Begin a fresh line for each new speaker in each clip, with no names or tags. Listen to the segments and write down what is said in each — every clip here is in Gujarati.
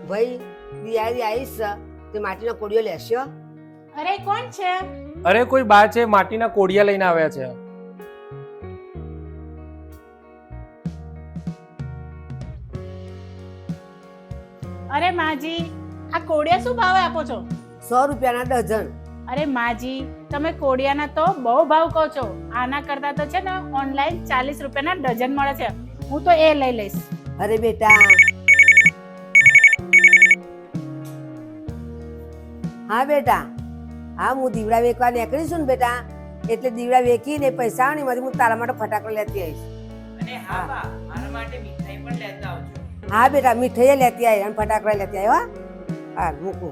ભાઈ દિવાળી આવીશ તે માટીનો કોડિયો લેશો?
અરે કોણ છે?
અરે કોઈ બા છે, માટીના કોડિયા લઈને આવ્યા છે.
અરે માજી, આ કોડિયા શું ભાવે આપો છો?
100 રૂપિયાના ડઝન.
અરે માજી, તમે કોડિયાના તો બહુ ભાવ કહો છો. આના કરતા તો છે ને ઓનલાઈન 40 રૂપિયાના ડઝન મળે છે. હું તો એ લઈ લઈશ.
અરે બેટા, હા બેટા, હા હું દીવડા વેચવા નીકળીશું ને બેટા, એટલે દીવડા વેચીને પૈસા આવે ને એમાંથી હું તારા માટે ફટાકડા લેતી આવીશ.
અને હા બા, મારા માટે મીઠાઈ પણ લેતા આવજો.
હા બેટા, મીઠાઈ લેતી આવી અને ફટાકડા લેતી આવી. હા મૂકું.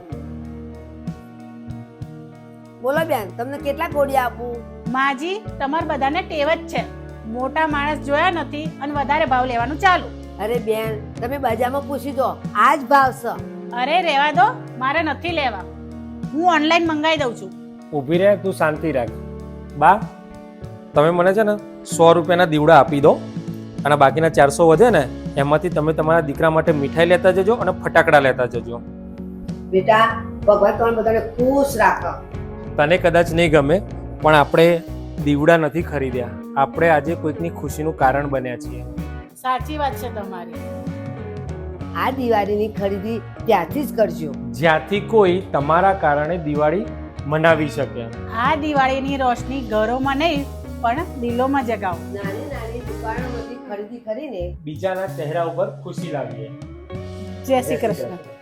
બોલો બેન, તમને કેટલા કોડિયા આપું?
માજી, તમારે બધાને ટેવ જ છે, મોટા માણસ જોયા નથી અને વધારે ભાવ લેવાનું ચાલુ.
અરે બેન, તમે બજારમાં પૂછી દો, આ જ ભાવ છે.
અરે રહેવા દો, મારે નથી લેવા. હું ઓનલાઈન મંગાવી દઉં છું.
ઊભી રહે, તું શાંતિ રાખ. બા, તમે મને છે ને 100 રૂપિયાના દીવડા આપી દો અને બાકીના 400 વધે ને એમાંથી તમે તમારા દીકરા માટે મીઠાઈ લેતા જજો અને ફટાકડા લેતા જજો.
બેટા, ભગવાન તમને બધાને ખુશ રાખો.
તને કદાચ નહીં ગમે, પણ આપણે દીવડા નથી ખરીદ્યા, આપણે આજે કોઈકની ખુશીનું કારણ બન્યા છીએ.
સાચી વાત છે તમારી.
આ દિવાળીની ખરીદી ત્યાંથી જ કરજો
જ્યાંથી કોઈ તમારા કારણે દિવાળી મનાવી શકે.
આ દિવાળીની રોશની ઘરોમાં નહીં પણ દિલોમાં જગાવો.
નાની નાની દુકાનોમાંથી ખરીદી કરીને
બીજાના ચહેરા ઉપર ખુશી લાવીએ.
જય શ્રી કૃષ્ણ.